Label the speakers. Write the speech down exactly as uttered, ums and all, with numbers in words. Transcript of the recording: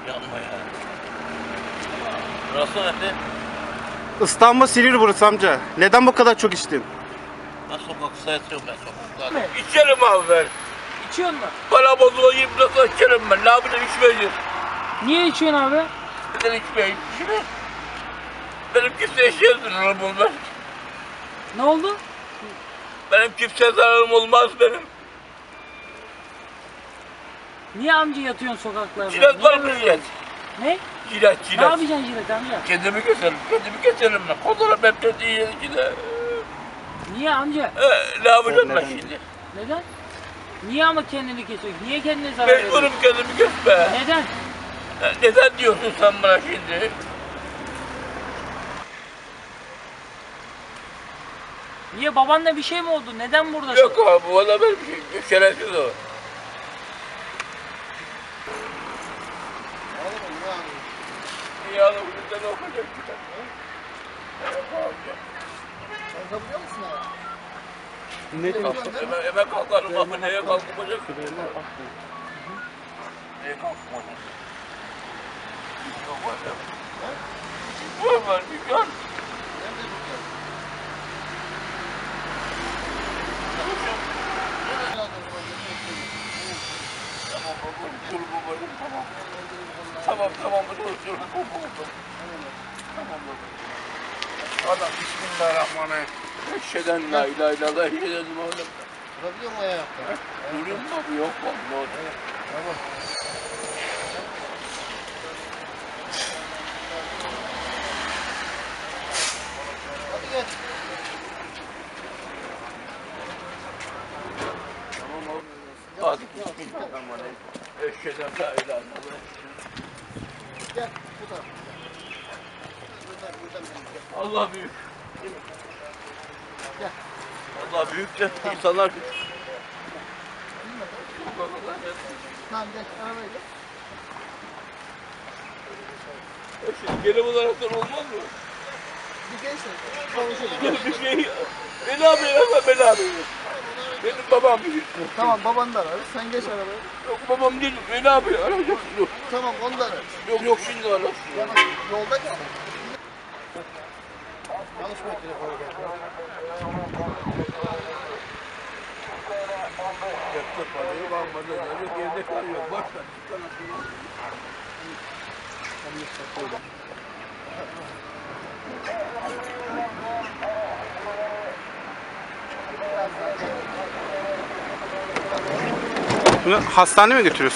Speaker 1: Yanma ya. Burası nerede?
Speaker 2: İstanbul Silivri burası amca. Neden bu kadar çok içtin?
Speaker 1: Ben sokakta yatıyorum ben sokakta. İçerim abi ben.
Speaker 3: İçiyorsun mu?
Speaker 1: Para bozulu yiyip nasıl içerim ben. Ne yapayım içmeyeceğim.
Speaker 3: Niye içiyorsun abi?
Speaker 1: Neden içmeyeyim? Şimdi benim kimseye şey zararım olmaz.
Speaker 3: Ne oldu?
Speaker 1: Benim kimseye zararım olmaz benim.
Speaker 3: Niye amca yatıyorsun sokaklarda?
Speaker 1: Cilet var mı
Speaker 3: Niye
Speaker 1: cilet?
Speaker 3: Ne?
Speaker 1: Cilet,
Speaker 3: Ne
Speaker 1: cilet.
Speaker 3: yapacaksın jilet amca?
Speaker 1: Kendimi keserim, kendimi keserim ben. Kodularım hep dediği yer içinde.
Speaker 3: Niye amca?
Speaker 1: Ee, ne yapacağım ben
Speaker 2: Neden?
Speaker 1: şimdi?
Speaker 3: Neden? Niye ama kendini kesiyorsun? Niye kendine zarar veriyorsun?
Speaker 1: Mecburum kendimi kesme.
Speaker 3: Neden?
Speaker 1: Ee, Neden diyorsun sen bana şimdi?
Speaker 3: Niye babanla bir şey mi oldu? Neden buradasın?
Speaker 1: Yok abi, valla benim şey, şerefsiz o. İyi adam, bizden okuyacak bir tane.
Speaker 4: Kalkabiliyor musun abi?
Speaker 2: Ne diyorsun?
Speaker 1: Hemen, hemen kalkarım abi, neye kalkmayacak? Neye kalkmayacak? Yok var. Var var, bir gör. Tamam baba, dur babacığım, tamam. Tamam tamam, dur dur. Tamam baba. Adam bismillahirrahmanirrahim. Eşheden la ilahe illallah, eşheden Muhammed.
Speaker 4: Durabiliyor mu ayakta?
Speaker 1: Duruyor mu abi? Yok bak, ne oldu?
Speaker 4: Tamam. Hadi gel.
Speaker 1: Tamam abi. Hadi bismillahirrahmanirrahim. Eşheden la ilahe illallah.
Speaker 4: Gel bu tarafa. Buradan buradan benim.
Speaker 1: Allah büyük.
Speaker 4: Gel.
Speaker 1: Allah büyük de insanlar küçük.
Speaker 4: Tamam gel arabaya gel.
Speaker 1: E şimdi geri olaraktan olmaz mı?
Speaker 4: Bir gençler konuşalım.
Speaker 1: Gel bir şey. Beni abi yapma, beni abi. Benim babam büyük.
Speaker 4: Tamam babanı da ararız. Sen geç arabaya.
Speaker 1: Yok babam değil, beni abi arayacak. Yok,
Speaker 4: Tamam onu da ararız.
Speaker 1: yok, yok şimdi ara.
Speaker 4: Ya bak yolda kal. Konuşma telefonu gel.
Speaker 1: Yaptı parayı varmadı. Yok evde kalıyor. Boş ver.
Speaker 2: Bunu hastaneye mi götürüyorsun?